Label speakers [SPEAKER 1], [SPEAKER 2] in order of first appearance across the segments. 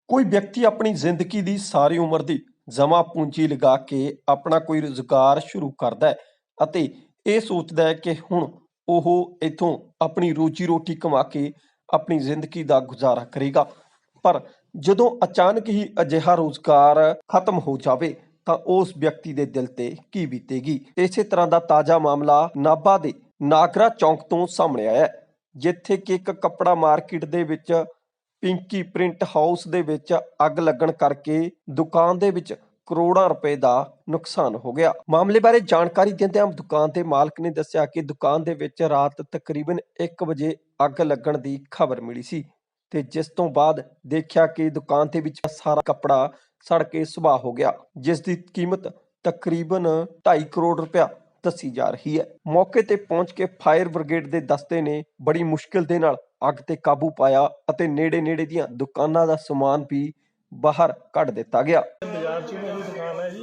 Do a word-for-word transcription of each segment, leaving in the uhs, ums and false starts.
[SPEAKER 1] ਕੋਈ ਵਿਅਕਤੀ ਆਪਣੀ ਜ਼ਿੰਦਗੀ ਦੀ ਸਾਰੀ ਉਮਰ ਦੀ ਜਮ੍ਹਾਂ ਪੂੰਜੀ ਲਗਾ ਕੇ ਆਪਣਾ ਕੋਈ ਰੁਜ਼ਗਾਰ ਸ਼ੁਰੂ ਕਰਦਾ ਹੈ ਅਤੇ ਇਹ ਸੋਚਦਾ ਹੈ ਕਿ ਹੁਣ ਉਹ ਇੱਥੋਂ ਆਪਣੀ ਰੋਜੀ ਰੋਟੀ ਕਮਾ ਕੇ ਆਪਣੀ ਜ਼ਿੰਦਗੀ ਦਾ ਗੁਜ਼ਾਰਾ ਕਰੇਗਾ। ਪਰ ਜਦੋਂ ਅਚਾਨਕ ਹੀ ਅਜਿਹਾ ਰੁਜ਼ਗਾਰ ਖਤਮ ਹੋ ਜਾਵੇ ਤਾਂ ਉਸ ਵਿਅਕਤੀ ਦੇ ਦਿਲ ਤੇ ਕੀ ਬੀਤੇਗੀ। ਇਸੇ ਤਰ੍ਹਾਂ ਦਾ ਤਾਜ਼ਾ ਮਾਮਲਾ ਨਾਭਾ ਦੇ ਨਾਗਰਾ ਚੌਂਕ ਤੋਂ ਸਾਹਮਣੇ ਆਇਆ ਹੈ, ਜਿੱਥੇ ਕਿ ਇੱਕ ਕੱਪੜਾ ਮਾਰਕੀਟ ਦੇ ਵਿੱਚ ਪਿੰਕੀ ਪ੍ਰਿੰਟ ਹਾਊਸ ਦੇ ਵਿੱਚ ਅੱਗ ਲੱਗਣ ਕਰਕੇ ਦੁਕਾਨ ਦੇ ਵਿੱਚ ਕਰੋੜਾਂ ਰੁਪਏ ਦਾ ਨੁਕਸਾਨ ਹੋ ਗਿਆ। ਮਾਮਲੇ ਬਾਰੇ ਜਾਣਕਾਰੀ ਦਿੰਦਿਆਂ ਦੁਕਾਨ ਦੇ ਮਾਲਕ ਨੇ ਦੱਸਿਆ ਕਿ ਦੁਕਾਨ ਦੇ ਵਿੱਚ ਰਾਤ ਤਕਰੀਬਨ ਇੱਕ ਵਜੇ ਅੱਗ ਲੱਗਣ ਦੀ ਖਬਰ ਮਿਲੀ ਸੀ ਤੇ ਜਿਸ ਤੋਂ ਬਾਅਦ ਦੇਖਿਆ ਕਿ ਦੁਕਾਨ ਦੇ ਵਿੱਚ ਸਾਰਾ ਕੱਪੜਾ ਸੜ ਕੇ ਸੁਆਹ ਹੋ ਗਿਆ, ਜਿਸ ਦੀ ਕੀਮਤ ਤਕਰੀਬਨ ਢਾਈ ਕਰੋੜ ਰੁਪਇਆ ਦੱਸੀ ਜਾ ਰਹੀ ਹੈ। ਮੌਕੇ ਤੇ ਪਹੁੰਚ ਕੇ ਫਾਇਰ ਬ੍ਰਿਗੇਡ ਦੇ ਦਸਤੇ ਨੇ ਬੜੀ ਮੁਸ਼ਕਿਲ ਦੇ ਨਾਲ ਅੱਗ ਤੇ ਕਾਬੂ ਪਾਇਆ ਅਤੇ ਨੇੜੇ ਨੇੜੇ ਦੀਆਂ ਦੁਕਾਨਾਂ ਦਾ ਸਮਾਨ ਵੀ ਬਾਹਰ ਕੱਢ ਦਿੱਤਾ ਗਿਆ।
[SPEAKER 2] ਬਾਜ਼ਾਰ 'ਚ ਮੇਰੀ ਦੁਕਾਨ ਹੈ ਜੀ।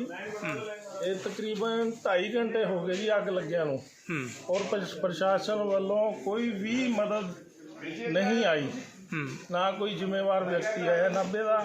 [SPEAKER 2] ਇਹ ਤਕਰੀਬਨ ਢਾਈ ਘੰਟੇ ਹੋ ਗਏ ਜੀ ਅੱਗ ਲੱਗਿਆ ਨੂੰ, ਔਰ ਪ੍ਰਸ਼ਾਸਨ ਵੱਲੋਂ ਕੋਈ ਵੀ ਮਦਦ ਨਹੀਂ ਆਈ, ਨਾ ਕੋਈ ਜ਼ਿੰਮੇਵਾਰ ਵਿਅਕਤੀ ਆਇਆ। ਨਾਭੇ ਦਾ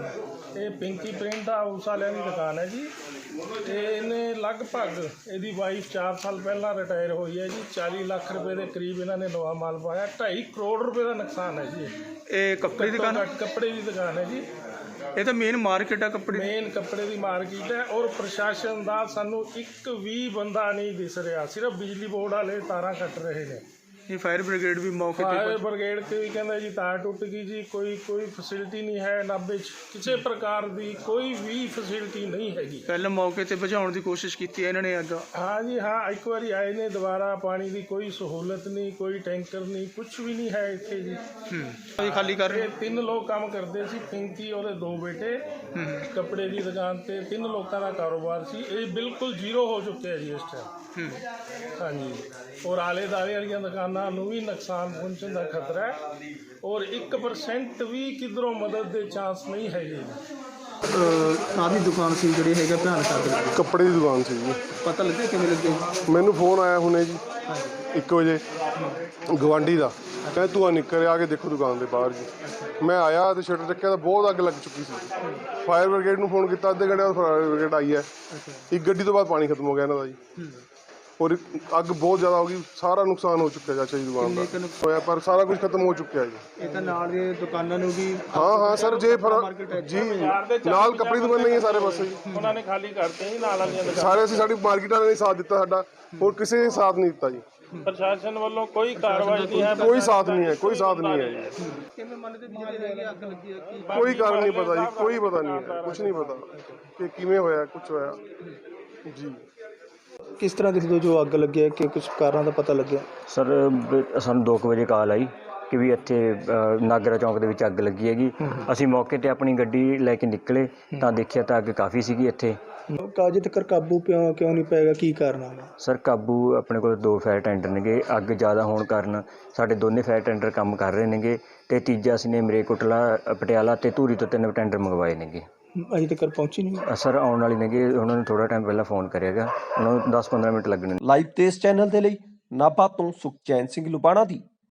[SPEAKER 2] ਇਹ ਪਿੰਕੀ ਪ੍ਰਿੰਟ ਹਾਊਸ ਵਾਲਿਆਂ ਦੀ ਦੁਕਾਨ ਹੈ ਜੀ। ਤੇ ਇਹਨੇ ਲਗਭਗ ਇਹਦੀ ਵਾਈਫ ਚਾਰ ਸਾਲ ਪਹਿਲਾਂ ਰਿਟਾਇਰ ਹੋਈ ਹੈ ਜੀ। ਚਾਲੀ ਲੱਖ ਰੁਪਏ ਦੇ ਕਰੀਬ ਇਹਨਾਂ ਨੇ ਨਵਾਂ ਮਾਲ ਪਾਇਆ। ਢਾਈ ਕਰੋੜ ਰੁਪਏ ਦਾ ਨੁਕਸਾਨ ਹੈ ਜੀ।
[SPEAKER 3] ਇਹ ਕੱਪੜੇ ਦੀ ਦੁਕਾਨ
[SPEAKER 2] ਕੱਪੜੇ ਦੀ ਦੁਕਾਨ ਹੈ ਜੀ।
[SPEAKER 3] ਇਹ ਤਾਂ ਮੇਨ ਮਾਰਕੀਟ ਹੈ, ਕੱਪੜੇ
[SPEAKER 2] ਮੇਨ ਕੱਪੜੇ ਦੀ ਮਾਰਕੀਟ ਹੈ। ਔਰ ਪ੍ਰਸ਼ਾਸਨ ਦਾ ਸਾਨੂੰ ਇੱਕ ਵੀ ਬੰਦਾ ਨਹੀਂ ਦਿਸ ਰਿਹਾ, ਸਿਰਫ ਬਿਜਲੀ ਬੋਰਡ ਵਾਲੇ ਤਾਰਾਂ ਕੱਟ ਰਹੇ ਨੇ।
[SPEAKER 3] ਇਹ ਫਾਇਰ ਬ੍ਰਿਗੇਡ ਵੀ ਮੌਕੇ ਤੇ
[SPEAKER 2] ਫਾਇਰ ਬ੍ਰਿਗੇਡ ਤੇ ਵੀ ਕਹਿੰਦਾ ਜੀ ਤਾਰ ਟੁੱਟ ਗਈ ਜੀ। ਕੋਈ ਕੋਈ ਫੈਸਿਲਿਟੀ ਨਹੀਂ ਹੈ ਨਾਭੇ 'ਚ, ਕਿਸੇ ਪ੍ਰਕਾਰ ਦੀ ਕੋਈ ਵੀ ਫੈਸਿਲਿਟੀ ਨਹੀਂ ਹੈਗੀ।
[SPEAKER 3] ਪਹਿਲਾਂ ਮੌਕੇ ਤੇ ਬੁਝਾਉਣ ਦੀ ਕੋਸ਼ਿਸ਼ ਕੀਤੀ ਇਹਨਾਂ ਨੇ ਅੱਗ।
[SPEAKER 2] ਹਾਂ ਜੀ ਹਾਂ, ਇੱਕ ਵਾਰੀ ਆਏ ਨੇ ਦੁਬਾਰਾ। ਪਾਣੀ ਦੀ ਕੋਈ ਸਹੂਲਤ ਨਹੀਂ, ਕੋਈ ਟੈਂਕਰ ਨਹੀਂ, ਕੁਝ ਵੀ ਨਹੀਂ ਹੈ ਇੱਥੇ ਜੀ।
[SPEAKER 3] ਹੂੰ ਖਾਲੀ ਕਰ ਰਹੇ।
[SPEAKER 2] ਤਿੰਨ ਲੋਕ ਕੰਮ ਕਰਦੇ ਸੀ, ਪਿੰਕੀ ਉਹਦੇ ਦੋ ਬੇਟੇ। ਕੱਪੜੇ ਦੀ ਦੁਕਾਨ ਤੇ ਤਿੰਨ ਲੋਕਾਂ ਦਾ ਕਾਰੋਬਾਰ ਸੀ। ਇਹ ਬਿਲਕੁਲ ਜ਼ੀਰੋ ਹੋ ਚੁੱਕਿਆ ਜੀ ਇਸ ਟਾਈਮ। ਹਾਂਜੀ, ਔਰ ਆਲੇ ਦੁਆਲੇ ਵਾਲੀਆਂ ਦੁਕਾਨਾਂ ਨੂੰ ਵੀ ਨੁਕਸਾਨ ਪਹੁੰਚਣ ਦਾ ਖਤਰਾ ਹੈ, ਔਰ ਇੱਕ ਪਰਸੈਂਟ ਵੀ ਕਿਧਰੋਂ ਮਦਦ ਦੇ ਚਾਂਸ ਨਹੀਂ ਹੈਗੇ।
[SPEAKER 3] ਕਾਹਦੀ ਦੁਕਾਨ ਸੀ ਜਿਹੜੀ ਹੈਗਾ ਭਿਆਨਕ ਅੱਗ ਲੱਗੀ?
[SPEAKER 4] ਕੱਪੜੇ ਦੀ ਦੁਕਾਨ ਸੀ ਜੀ।
[SPEAKER 3] ਪਤਾ ਲੱਗਿਆ ਕਿਵੇਂ ਲੱਗੇ?
[SPEAKER 4] ਮੈਨੂੰ ਫੋਨ ਆਇਆ ਹੁਣੇ ਜੀ ਇੱਕ ਵਜੇ ਗਵਾਂਢੀ ਦਾ, ਕਹਿੰਦਾ ਧੂੰਆਂ ਨਿਕਲ ਆ ਕੇ ਦੇਖੋ ਦੁਕਾਨ ਦੇ ਬਾਹਰ ਜੀ। ਮੈਂ ਆਇਆ ਤੇ ਸ਼ਟਰ ਚੱਕਿਆ ਤਾਂ ਬਹੁਤ ਅੱਗ ਲੱਗ ਚੁੱਕੀ ਸੀ। ਫਾਇਰ ਬ੍ਰਿਗੇਡ ਨੂੰ ਫੋਨ ਕੀਤਾ, ਅੱਧੇ ਘੰਟੇ ਬਾਅਦ ਫਾਇਰ ਬ੍ਰਿਗੇਡ ਆਈ ਹੈ। ਇੱਕ ਗੱਡੀ ਤੋਂ ਬਾਅਦ ਪਾਣੀ ਖਤਮ ਹੋ ਗਿਆ ਇਹਨਾਂ ਦਾ ਜੀ, ਔਰ ਅੱਗ ਬਹੁਤ ਜ਼ਿਆਦਾ ਹੋ ਗਈ। ਸਾਰਾ ਨੁਕਸਾਨ ਹੋ ਚੁੱਕਿਆ ਚਾਚਾ ਜੀ ਦੁਕਾਨ ਦਾ ਹੋਇਆ, ਪਰ ਸਾਰਾ ਕੁਝ ਖਤਮ ਹੋ ਚੁੱਕਿਆ ਜੀ।
[SPEAKER 3] ਇਹ ਤਾਂ ਨਾਲ ਦੇ ਦੁਕਾਨਾਂ ਨੂੰ ਵੀ
[SPEAKER 4] ਹਾਂ ਹਾਂ ਸਰ, ਜੇ ਜੀ ਨਾਲ ਕੱਪੜੇ ਦੀ ਦੁਕਾਨ ਨਹੀਂ ਹੈ ਸਾਰੇ ਪਾਸੇ ਜੀ।
[SPEAKER 2] ਉਹਨਾਂ ਨੇ ਖਾਲੀ ਕਰਤੇ ਜੀ ਨਾਲ ਵਾਲੀਆਂ ਦੁਕਾਨਾਂ
[SPEAKER 4] ਸਾਰੇ। ਅਸੀਂ ਸਾਡੀ ਮਾਰਕੀਟ ਵਾਲਿਆਂ ਨੇ ਸਾਥ ਦਿੱਤਾ ਸਾਡਾ, ਹੋਰ ਕਿਸੇ ਨੇ ਸਾਥ ਨਹੀਂ ਦਿੱਤਾ ਜੀ।
[SPEAKER 2] ਪ੍ਰਸ਼ਾਸਨ ਵੱਲੋਂ ਕੋਈ ਕਾਰਵਾਈ ਨਹੀਂ ਹੈ,
[SPEAKER 4] ਕੋਈ ਸਾਥ ਨਹੀਂ ਹੈ, ਕੋਈ ਸਾਥ ਨਹੀਂ ਹੈ ਜੀ।
[SPEAKER 3] ਕਿਵੇਂ ਮੰਨਦੇ ਵੀ ਜਿਹੜੇ ਹੈਗੇ ਅੱਗ ਲੱਗੀ ਹੈ?
[SPEAKER 4] ਕੋਈ ਕਾਰਨ ਨਹੀਂ ਪਤਾ ਜੀ, ਕੋਈ ਪਤਾ ਨਹੀਂ ਹੈ, ਕੁਝ ਨਹੀਂ ਪਤਾ ਕਿ ਕਿਵੇਂ ਹੋਇਆ, ਕੁਝ ਹੋਇਆ ਜੀ।
[SPEAKER 3] ਕਿਸ ਤਰ੍ਹਾਂ ਦੇਖਦੇ ਹੋ ਜੋ ਅੱਗ ਲੱਗੀ ਹੈ, ਕਿ ਕੁਝ ਕਾਰਨਾਂ ਦਾ ਪਤਾ ਲੱਗਿਆ?
[SPEAKER 5] ਸਰ ਸਾਨੂੰ ਦੋ ਕੁ ਵਜੇ ਕਾਲ ਆਈ ਕਿ ਵੀ ਇੱਥੇ ਨਾਗਰਾ ਚੌਂਕ ਦੇ ਵਿੱਚ ਅੱਗ ਲੱਗੀ ਹੈਗੀ। ਅਸੀਂ ਮੌਕੇ 'ਤੇ ਆਪਣੀ ਗੱਡੀ ਲੈ ਕੇ ਨਿਕਲੇ ਤਾਂ ਦੇਖਿਆ ਤਾਂ ਅੱਗ ਕਾਫੀ ਸੀਗੀ ਇੱਥੇ।
[SPEAKER 3] ਕਾਜੇ ਤੱਕ ਕਾਬੂ ਕਿਉਂ ਕਿਉਂ ਨਹੀਂ ਪਏਗਾ, ਕੀ ਕਾਰਨ ਹੈ?
[SPEAKER 5] ਸਰ ਕਾਬੂ ਆਪਣੇ ਕੋਲ ਦੋ ਫਾਇਰ ਟੈਂਡਰ ਨੇਗੇ। ਅੱਗ ਜ਼ਿਆਦਾ ਹੋਣ ਕਾਰਨ ਸਾਡੇ ਦੋਨੇ ਫਾਇਰ ਟੈਂਡਰ ਕੰਮ ਕਰ ਰਹੇ ਨੇਗੇ ਅਤੇ ਤੀਜਾ ਅਸੀਂ ਨੇ ਮਰੇਕੋਟਲਾ, ਪਟਿਆਲਾ ਅਤੇ ਧੂਰੀ ਤੋਂ ਤਿੰਨ ਟੈਂਡਰ ਮੰਗਵਾਏ ਨੇਗੇ।
[SPEAKER 3] ਅਜੇ ਤੱਕ ਪਹੁੰਚੀ ਨਹੀਂ?
[SPEAKER 5] ਸਰ ਆਉਣ ਵਾਲੀ ਨੇਗੇ, ਉਹਨਾਂ ਨੂੰ ਥੋੜ੍ਹਾ ਟਾਈਮ ਪਹਿਲਾਂ ਫੋਨ ਕਰਿਆਗਾ, ਉਹਨਾਂ ਨੂੰ ਦਸ ਪੰਦਰਾਂ ਮਿੰਟ ਲੱਗਣੇ।
[SPEAKER 1] ਲਾਈਵ ਤੇ ਇਸ ਚੈਨਲ ਦੇ ਲਈ ਨਾਭਾ ਤੋਂ ਸੁਖਚੈਨ ਸਿੰਘ ਲੁਬਾਣਾ ਦੀ